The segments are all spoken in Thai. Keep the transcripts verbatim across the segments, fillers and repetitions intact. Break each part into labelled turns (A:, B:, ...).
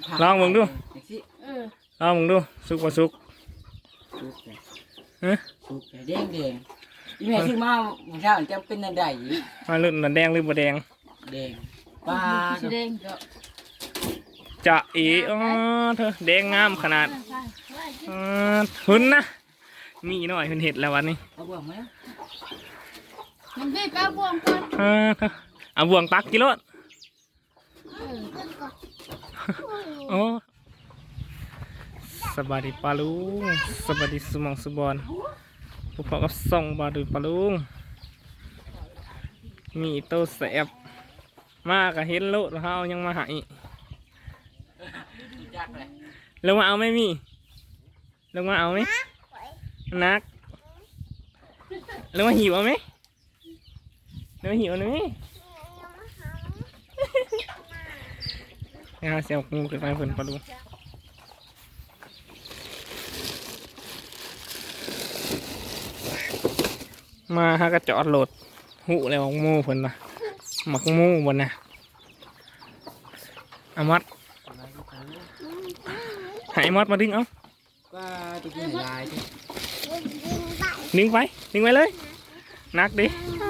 A: ลองมึงดู
B: เออ
A: ลองมึงดูสุกบ่สุก
C: สุกเลย
A: ฮะ
C: สุกเลยแดงแดงยี่แม่ซื้อมาเมื่อเช้าจะเป็นอันใด
A: มาลุ่นมันแดงหรือบ่แดง
C: แดงปลา
B: สีแดงก็
A: จะอีอ๋อเธอแดงงามขนาดอ่าหุ่นนะมีหน่อยเพิ่นเห็ดแล้ววันนี้
C: เอาบ่วงไหม
B: มันได้ปลาบวงก่อน
A: อ่าเธอเอาบ่วงตักกิโลดโอ้สบายดีปลาลุงสบายดีสมองสุบอนพวกเขากับส่องบาดูปลาลุงมีโตแสบมากกะเห็นโลดเขายังมาหายลงมาเอาไหมมีลงมาเอาไหมนักลงมาหิวเอาไหมลงมาหิวเอาไหมนะครับเสียงงูเกิดไปเพิ่นปลาลุงมาฮะก็จอดโหลดหูแล้วของมูเพิ่นนะหมักมูบนนะอามัดหายมัดมาดึงเอา
C: ก็จะกินลายที่
A: ดึงไปดึงไปเลยนักดิ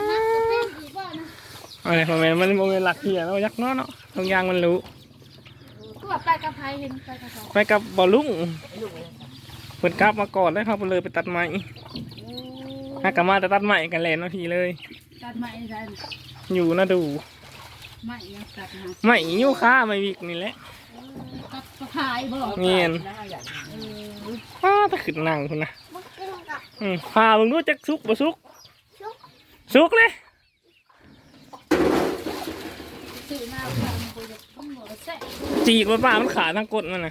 A: อะไรพอแม่มันโมเมนหลักเหี้ยเรายักเนาะเนาะตรงยางมันรู้
B: ก็แบบไปกับไผ่เห็นไปกับ
A: ไปกับบอลลุงเปิดกลับมาก่อนแล้วเขาไปเลยไปตัดไม้ฮักกะมาจะตัดไม้กันแลนนาทีเลย
B: ตัดไม้ได้
A: อยู่นะดู
B: ไม้ยังตัดนะ
A: ไม้ยิ้วข้าไม่วิกนี่แหละ
B: ตัดกระพายบ่
A: เงียนป้าถ้าขึ้นนั่งคุณนะอืมพามึงรู้จักซุกบ่ซุกซุกเลยจีกมันป้ามันขาทั้งกดมันนะ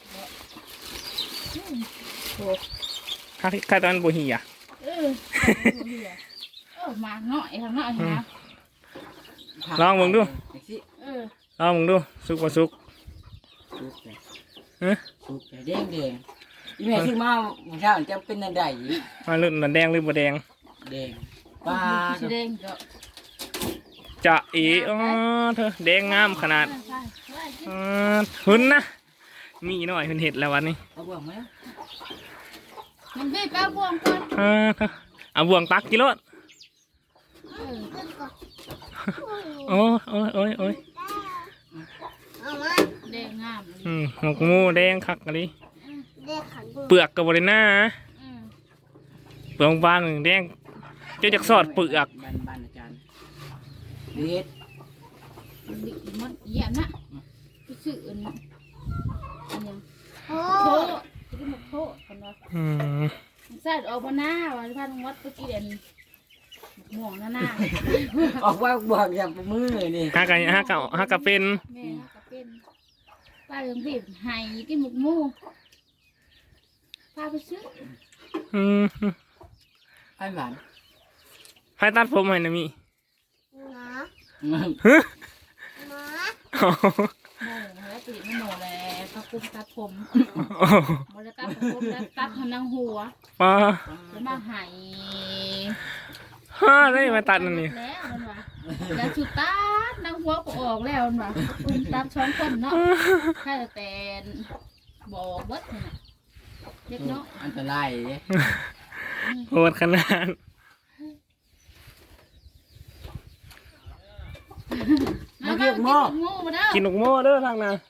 A: ข้าข้าตอนบุหีอ่ะ
B: เออเออมาหน่อยทำหน่อยนะ
A: ลองมึงดู
B: เออ
A: ลองมึงดูซุกบ่ซุก
C: สุกเลย
A: ฮะ
C: สุกเลยแดงแดงยี่แม่ซื้อมาเมื่อเช้าจะเป็นอันใด
A: มาลุ่นมันแดงหรือบ่แดง
C: แดงปลา
B: สีแดงก็
A: จะอีอ๋อเธอแดงงามขนาดอ่าหุ่นนะมีหน่อยเพิ่นเห็ดแล้ววันนี้
C: เอาบ่วงไหม
B: มันได้ปลาบวงก่อน
A: อ่าเธอเอาบ่วงตักกิโลดโอ้โอ้ยโอ้ยโอ้ย
B: แดงงาม
A: อืมหมกมูแดงคักอะไรเปลือกกับบริหน้าเปลือกบานแดงเจ้าจักสอดเปลือก
C: บ้านบ้านอาจารย์เด็ด
B: มันเยี่ยมนะสื่ออันนี้โอ้โหที่มันโผล่กันวะ
A: อืม
B: ใส่ออกมาหน้าวันพันวัดเมื่อกี้เด่นม่วงหน้าหน้า
C: ออกว่าบวกอย่างมือนี่
A: ฮักกะฮักกะฮักกะเป็น
B: แม่ฮักกะเป็นป้าเรื่องบีบไห้กินหมกมูพาไปซื้อ
A: อืม
C: ไอ้หวาน
A: ไพ่ตัดผมให้นะมี
B: ฮะมาโม่แล้วตีไม่โม่แล้วพักกุ้งตัดผมมาแล้วตัดผมแล้วตัดทางหัว
A: ป้า
B: แล้วมาหาย
A: ฮ่าได้มาตัดนั่นนี่
B: แล้วมันวะแล้วสุดตัดนางหัวก็ออกแล้วมันวะกุ้งตัดช้อนคนเนาะแค่แต่บอกเบิดนี่นะเล็กเนาะ
C: อันตราย
A: โหดขนาด
B: มากินหม้อ
A: กินหนกหม้อเด้อทางน่ะ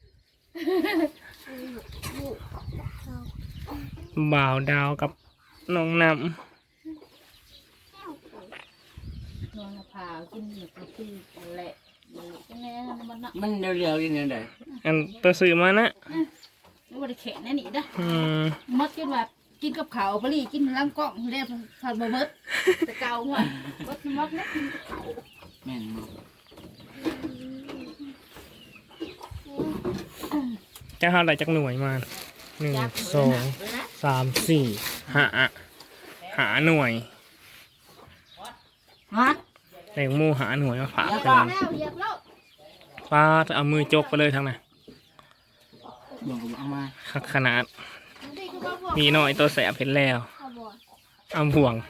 A: บ่าวดาวกับน้องน้ำ
B: นอนผ่ากินแบบที่แหละ
C: มันเร็วๆยังไงได้
A: อันตัวซื้อมานะ
B: ไม่ว่าจะแข็งแน่นี่นะมัดกินแบบกินกับเขาปลีกินล้างกล้องเรียบผัดบะเบิดแต่เก่าหมดมัดมัดนะกินกับเขา
C: แม่น
A: จะหาอะไรจากหน่วยมาหนึ่งสองสามสี่หาหาหน่วยแตงโมหาหน่วยมาฝากกันป้าจะเอามือจกไปเลยทางไหนขนาดมีหน่อยตัวแสบเห็นแล้วเอาห่วง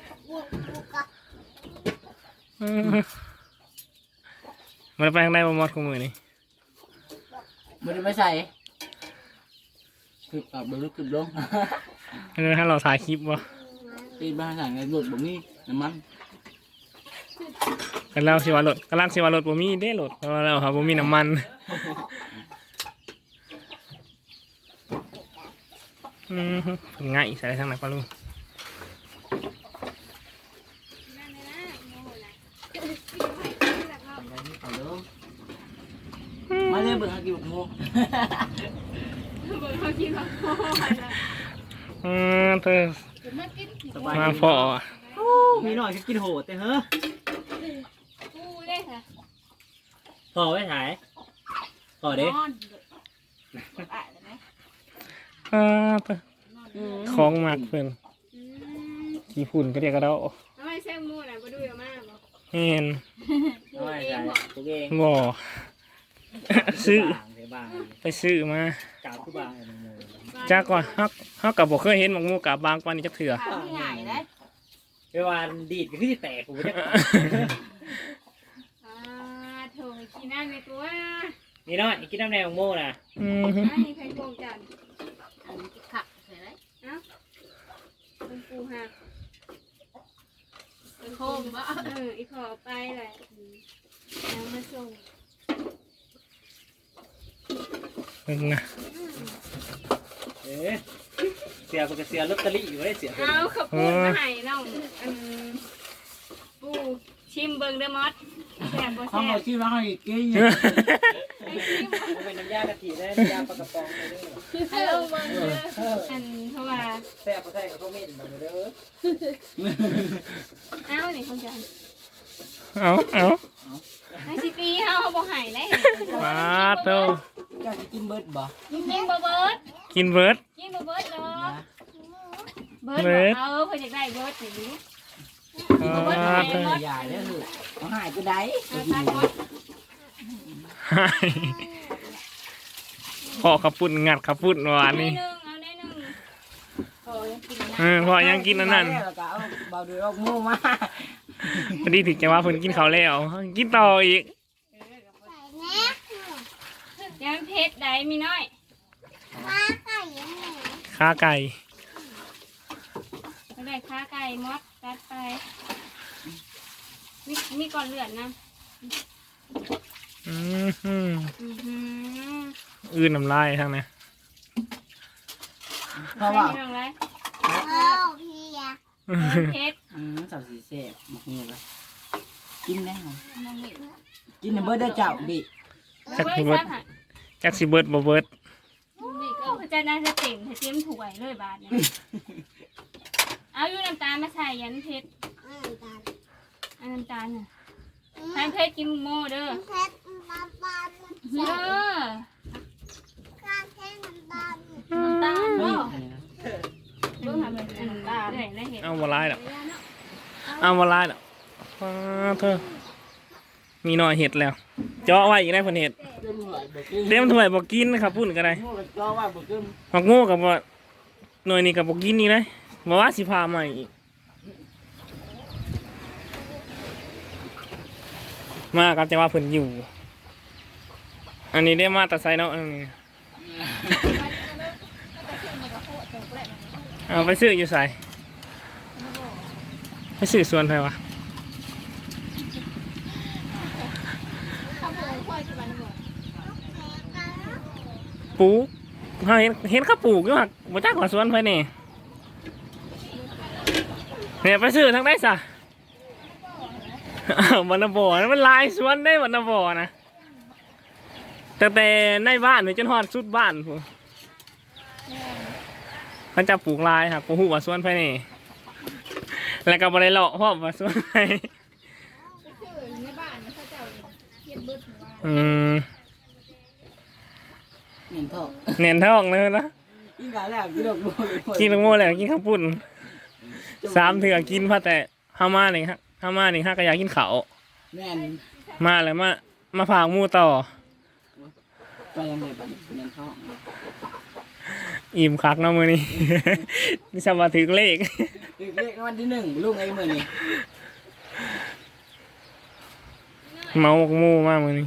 A: มันไปทางไหนมามอดของมือนี่
C: มันไม่ใส่คือปรับเบอร์คือลง
A: เออถ้าเราถ่ายคลิปวะ
C: ตีบ้านสั่งไงหลุดบ่มีน้ำมัน
A: กันแล้วสิว่ารถกำลังสิว่ารถบ่มีเด้รถเพราะว่าเราครับบ่มีน้ำมันอืมง่ายใส่ทางไหนปะลุง
C: มาเลยเบิ่งหากินหมู
A: อืมเธอ
B: จะมากินกี่
C: สบาย
A: มาพอ
C: มีหน่อยก็กินโหดแต่เฮ้อ
B: กูได้ค่ะ
C: พอไว้ถ่ายพอเด้
B: นอนอ่ะได้ไหม
A: อ่าเธอของมากเพิ่นขี้ฝุ่นก็เรียกกระเดา
D: ทำไมแซงมูน่ะมาดูเยอะมากบอก
A: เห็น
C: เอาไว้ถ่ายตัวเอง
A: บ่ ซื้อ
C: เดี๋ยวบาง
A: ไปซื้อมา
C: กาบคือบางเลยหมู
A: จากก่อนเฮาเฮาก็บ่เคยเห็นหมกหมูกับบางกว่านี้จักเทื่อ
B: ถามที่ไหนได้
C: เวลาดีดก็คือแตกผมจะ
D: อ่าโถกินน้ำในตัว
C: นี่น้อยกินน้ำแดงของโม่นะ
A: อืม
D: ไม่มีใครโกงกัน
B: อันนี้ขับใช่ไหม
D: คุณปูหัก
B: โคมว่า
D: เอออีขอไปแหละแล้วมาส่ง
A: เพิ่นนะ
C: เอ๊ะเสียปกติเสียลอตเตอรี่อยู่เลยเสีย
D: เอาขอบคุณมาให้น้องอันปูชิมเบิ้งเด้อมอสแซ่บบ่
C: ข้าว
D: แซ่
C: หมู
D: บ
C: ชื่อร้านอะไรกิน
D: ไอ้ชิม
C: เป็นน้ำยากะทิได้น้ำยาปลากระป๋องเลย
D: ฮัลโหลเบิ้งเด้ออันเพราะว่า
C: แซ่บก็แซ่บกับข้าวเม่นแบบเด้อ
D: เอ้านี่คนจัน
A: เอาเอา
D: ไอ้สิตีเฮาบ่ให้ได้
A: ปาดโต
C: อยากกินเบิร์ดบ่
D: กินบ่เบิด
A: กินเบิด
D: กินบ่เบิดเนาะเบิด
A: เบิด
D: เออเพิ่นอยากได้เบิดนี่
A: ปาดโต
C: ใหญ่เลยคือเขาหายก็ได้
D: เอาทานหมด
A: ให้พอขับปุ่นงัดขับปุ่นหวาน
D: เอาได้
A: นี่
D: หนึ่งเอาได้หนึ่งพอยังกินนะ
A: เออพอยังกินอันนั้น
C: แล้วก็เอาเบาดูออกมูมา
A: พอดีถึงจะว่าเพิ่นกินข้าวแล้วกินต่ออีก
D: ยังเพชรได้มีน้อย
A: ขาไก่
D: เอาได้ขาไก่มดตัดไปมีมีก่อนเลือดนะ
A: อืมอืม
D: อือหือ
A: อื่นน้ำลายทางนี้
C: เพราะว่า
D: ไม่ต้องไรเพชร
C: อืมสาวสีเสพมักเงี้ยละกินได้ไหม
B: น้องเห็น
C: กินในเบิร์ดได้เจ้าดิ
A: จัก
D: เว้ย
A: สิเบิด
D: ซับหะ
A: จักสิเบิดบ่เบิด
B: นี่ก็
D: ก็จะน่าจะเต็มถ้าเต็มถ้วยเลยบาทเนี่ยเอาอยู่น้ำตาลมาใส่ยันเพชรเอาน้ำตาลน่ะทานเพชรกินโม่เด้อเด้อ
B: น้ำตาล
C: เฮ้
B: บ่
C: ย
D: เบิ่งทำเป็นน้ำตาลเลยนะเห็น
A: เอาบ่ลายดอกเอาบ่ลายดอกปาดเธอมีหน่อยเห็ดแล้ว เจาะไว้อีกได้เพิ่นเห็ด
C: เต็มหน่อยเบิร์ด
A: เต็มถ้วยบ่กินครับพุ่นก็ได้
C: มูกับเจ้าว่าเบิร์ด
A: มักโง่กับบ่หน่วยนี้กับบ่กินนี่เลยบ่ว่าสิพาใหม่อีกมากับจะว่าเพิ่นอยู่ อันนี้ได้มาแต่ไซเนาะอันนี้เอาไปซื้ออยู่ไสไปซื้อสวนไผวะปลูกเฮาเห็นเห็นเขาปลูกอยู่หักบ่จักว่าสวนไผนี่เนี่ยไปซื้อทางใดซะอ้าวบรรณบ่อนะมันหลายสวนได้บรรณบ่อนะตั้งแต่ในบ้านนี่จนฮอดสุดบ้านพุ่นเขาจะปลูกหลายครับบ่ฮู้ว่าสวนไผนี่แล้วก็บ่ได้เลาะเพราะว่าสวนไผ
B: ในบ้านเขาเจ้าเฮ็ดเบิดหัว
A: อืม
C: เห็นท้อง
A: เน้นท้องเลยนะ
C: กินกันแล้วกินดอกบัว
A: กินลูกโม่แล้วกินข้าวปุ้นสามเถื่อกินพอแต่ห้ามาหนึ่งฮะห้ามาหนึ่งห้าก็อยากกินเขาว
C: แม่น
A: มาแล้วมามาฝากหมูต่อ
C: ไปยังไงบ้างเห็นท้อง
A: อิ่มคักเนาะมือนี้ นี่สมาถึงเลข
C: เลขวันที่หนึ่งลูกไอ้มือนี่
A: เมาหมกหมูมากมือนี้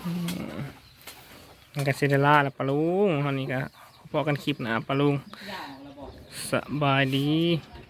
A: มันก็เซเดล่าแล้วปะลุงตอนนี้ก็พอกันคลิปหนะปะลุงสบายดี
C: เ